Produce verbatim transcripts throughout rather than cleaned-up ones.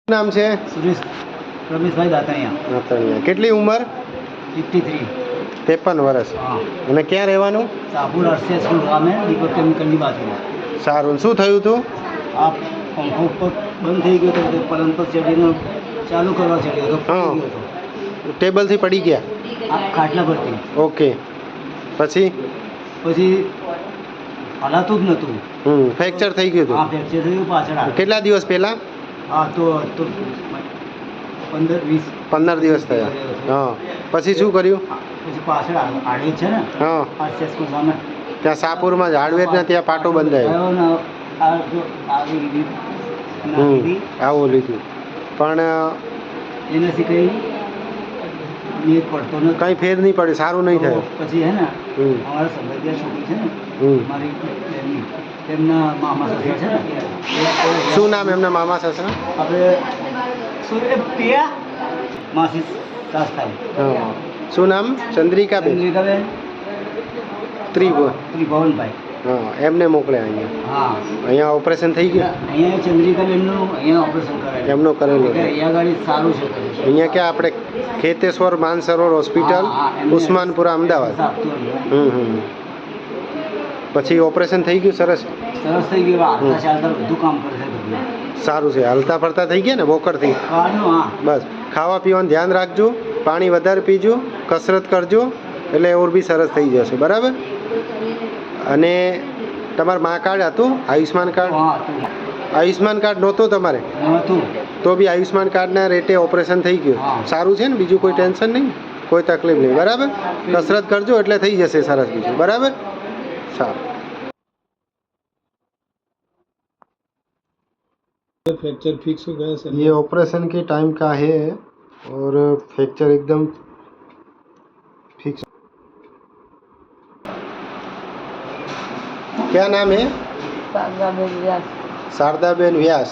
નામ છે? સુરેશ રમેશભાઈ દાતણિયા. દાતણિયા. કેટલી ઉંમર? Fifty three. ત્રેપન વર્ષ. હા. અને ક્યાં રહેવાનું? સાપુર અરસિયા સ્કૂલ ગામે દીપક કેમિકલની બાજુમાં. સારું. શું થયું હતું? આ પંખો ઉપર બંધ થઈ ગયો હતો, પલંગ પર ચડીને ચાલુ કરવા ચડ્યો હતો, પડી ગયો હતો. ટેબલથી પડી ગયા? આ ખાટલા પરથી. ઓકે. પછી? પછી હલાતું જ નહોતું. હમ ફ્રેક્ચર થઈ ગયું હા, હતું? ફ્રેક્ચર થયું પાછળ. કેટલા દિવસ પહેલા? હા, તો તો પંદર વીસ પંદર દિવસ થયા. હા. પછી શું કર્યું? પછી પાછળ આડે છે ને, હા, અરસિયા સ્કૂલ સામે ત્યાં સાપુરમાં હાર્ડવેરના ત્યાં પાટો બંધાયો. આવ્યો ને આ જો આવી રીત નાખી હતી. આવું લીધું પણ એનાથી કંઈ મેળ પડતો નથી. કંઈ ફેર નહીં પડે, સારું નહીં તો થયું. પછી હે ને હમ અમારા સંબંધિયા છોકરી છે ને, હમ મારી બેનની, તેમના મામા સસરા છે ને, એ- શું નામ એમના મામા સસરા? આપણે શું એ પિયા માસી સાસ થાય. હા. શું નામ? ચંદ્રિકાબેન? ચંદ્રિકાબેન ત્રિભુવન. ત્રિભુવનભાઈ. હા, એમને મોકલ્યા અહીંયા. હા, અહીંયા ઓપરેશન થઈ ગયું? અહીંયા ચંદ્રિકાબેનનું અહીંયા ઓપરેશન કરાયું. એમનો કરેલું એટલે છે. અહીંયા ગાડી સારું છે. અહીંયા ક્યાં આપણે ખેતેશ્વર માનસરોવર હોસ્પિટલ, હા, હા, એમને ઉસ્માનપુરા, અમદાવાદ. આપતું હતું. હમ હમ પછી ઓપરેશન થઈ ગયું? સરસ. સરસ થઈ ગયું. હાલતા ચાલતા બધું કામ કરે છે ઘરનું. સારું છે. હલતા ફરતા થઈ ગયા ને વોકરથી? કારનું હા. બસ ખાવા પીવાનું ધ્યાન રાખજો, પાણી વધારે પીજો, કસરત કરજો, એટલે ઓર બી સરસ થઈ જશે. બરાબર? અને તમારું મા કાર્ડ હતું? આયુષ્માન કાર્ડ? હા, હતું. આયુષ્માન કાર્ડ નહોતું તમારે? નહોતું. તો બી આયુષ્માન કાર્ડના રેટે ઓપરેશન થઈ ગયું. હા. સારું છે ને? બીજું કોઈ ટેન્શન નહીં, કોઈ તકલીફ નહીં. બરાબર? કસરત કરજો એટલે થઈ જશે સરસ બીજું. બરાબર? સારું. फ्रैक्चर फिक्स हो गया सर। ये ऑपरेशन के टाइम का है और फ्रैक्चर एकदम फिक्स। क्या नाम है? शारदाबेन व्यास। शारदाबेन व्यास।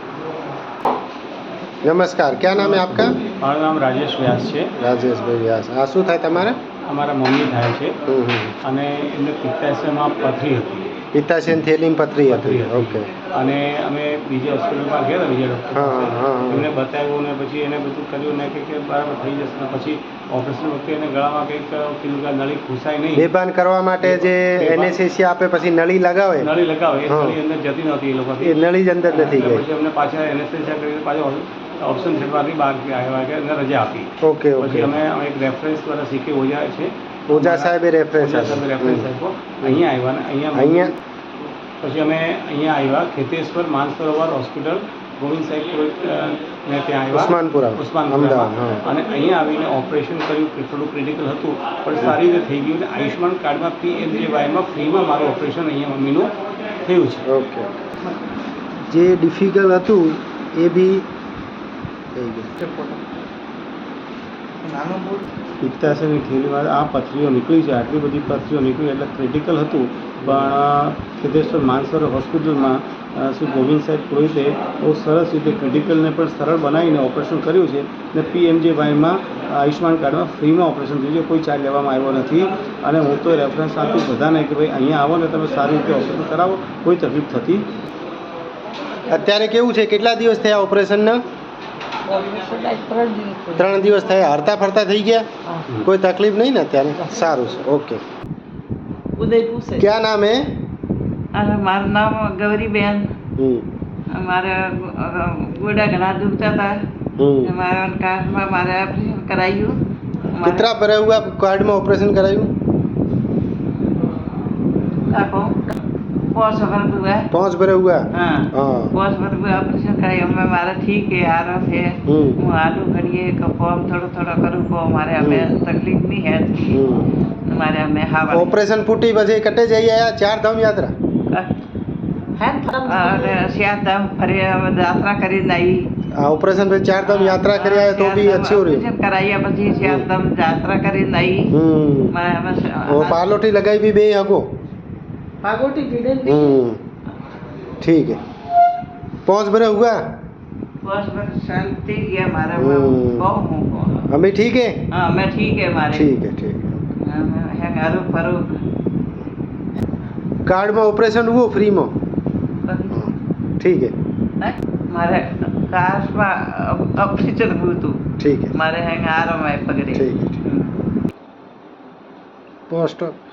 नमस्कार, क्या नाम है आपका? મારું નામ રાજેશ વ્યાસ છે. રાજેશભાઈ વ્યાસ. આ શું થાય તમારે? અમારા મમ્મી થાય છે હમ હમ અને એમને પિત્તાશયમાં પથરી હતી. પિત્તાશયની થેલીમાં પથરી હતી. ઓકે. અને અમે બીજા હોસ્પિટલમાં ગયા હતા, બીજા ડૉક્ટર હા હા હા એમને બતાવ્યું ને પછી એને બધું કર્યું ને કે બરાબર થઈ જશે ને પછી ઓપરેશન વખતે એને ગળામાં કંઈક કીધું કે નળી ઘૂસાય નહીં. બેભાન કરવા માટે જે એનેસ્થેસિયા આપે પછી નળી લગાવે, નળી લગાવે એ હા. નળી અંદર જતી નહોતી એ એ લોકોથી. નળી જ અંદર નથી એટલે ગઈ. પછી અમને પાછા એનેસ્થેસિયા કરી પાછા ઓપ્શન છેડવાથી બહાર આવ્યા કે એને રજા આપી. ઓકે પછી ઓકે. અમે અમે એક રેફરન્સ દ્વારા શીખી ઓજા છે ઓઝા સાહેબે રેફરન્સ ઓઝા સાહેબે રેફરન્સ આપ્યો. અહીંયા આવ્યા ને અહીંયા અહીંયા પછી અમે અહીંયા આવ્યા ખેતેશ્વર માનસરોવર હોસ્પિટલ ગોવિંદ સાહેબ ને ત્યાં આવ્યા ઉસ્માનપુરા, ઉસ્માનપુરામાં. અમદાવાદ, હા. અને અહીંયા આવીને ઓપરેશન કર્યું કે થોડું ક્રિટિકલ હતું પણ સારી રીતે થઈ ગયું. અને આયુષ્માન કાર્ડમાં પી એમ જે વાયમાં ફ્રીમાં મારું ઓપરેશન અહીંયા મમ્મીનું થયું છે. ઓકે. જે ડિફિકલ્ટ હતું એ બી થઈ ગયું. પિત્તાશયની થેલીમાં આ પથરીઓ નીકળી છે, આટલી બધી પથરીઓ નીકળી એટલે ક્રિટિકલ હતું. પણ ખેતેશ્વર માનસરોવર હોસ્પિટલમાં અ, શ્રી ગોવિંદ સાહેબ પુરોહિતે બહુ સરસ રીતે ક્રિટિકલને પણ સરળ બનાવીને ઓપરેશન કર્યું છે. અને પી એમ જે વાયમાં આયુષ્માન કાર્ડમાં ફ્રીમાં ઓપરેશન થયું છે, કોઈ ચાર્જ લેવામાં આવ્યો નથી. અને હું તો રેફરન્સ આપીશ બધાને કે ભાઈ અહીંયા આવો ને તમે સારી રીતે ઓપરેશન કરાવો, કોઈ તકલીફ થતી. અત્યારે કેવું છે? કેટલા દિવસ થયા ઓપરેશનના? ત્રણ દિવસ ત્રણ દિવસ થયા. હરતા ફરતા થઈ ગયા? હા. કોઈ તકલીફ નહીં ને અત્યારે? સારું છે. ઓકે. ઉદયપુર से। क्या नाम है? અને મારું નામ ગૌરીબેન। हम्म મારે ગોડા ઘણા દુખતા હતા, हम्म મારા કાર્ડમાં મારે ઓપરેશન કરાયું। कितना भरा हुआ कार्ड में ऑपरेशन कराયું? કાકો પાંચ વર્ષ हुआ। पाँच भरे हुआ? हाँ, हाँ। પાંચ વર્ષ हुआ ऑपरेशन कराયું। અમે મારે ઠીક है आराम है। हम्म હું આલू ઘડીએ કામ થોડો થોડો કરું કો મારે અમે તકલીફ નહીં है हम्म મારે અમે હા ऑपरेशन फूटी પછી કટે જઈ આયા ચાર ધામ યાત્રા? અને શ્યાધામ ફરી યાત્રા કરીને આવી। આ ઓપરેશન પછી ચાર ધામ યાત્રા કરી આયા તો બી अच्छी हो रही है। કરાયા પછી શ્યાધામ યાત્રા કરીને આવી। हम्म और पालोटी लगाई भी बे हको? पागोटी भिड़े हम्म ठीक है। पाँच भरे हुआ? बस बस शांति गया हमारा। हम्म। बहुत हूँ अभी ठीक है? हाँ मैं ठीक है हमारे। ठीक है ठीक है। है गारू फरू कार्ड में ऑपरेशन हुआ फ्री में? ठीक है। मारे काश में ऑपरेशन हुआ तू ठीक है मारे हैं आराम है पगड़े ठीक है पोस्ट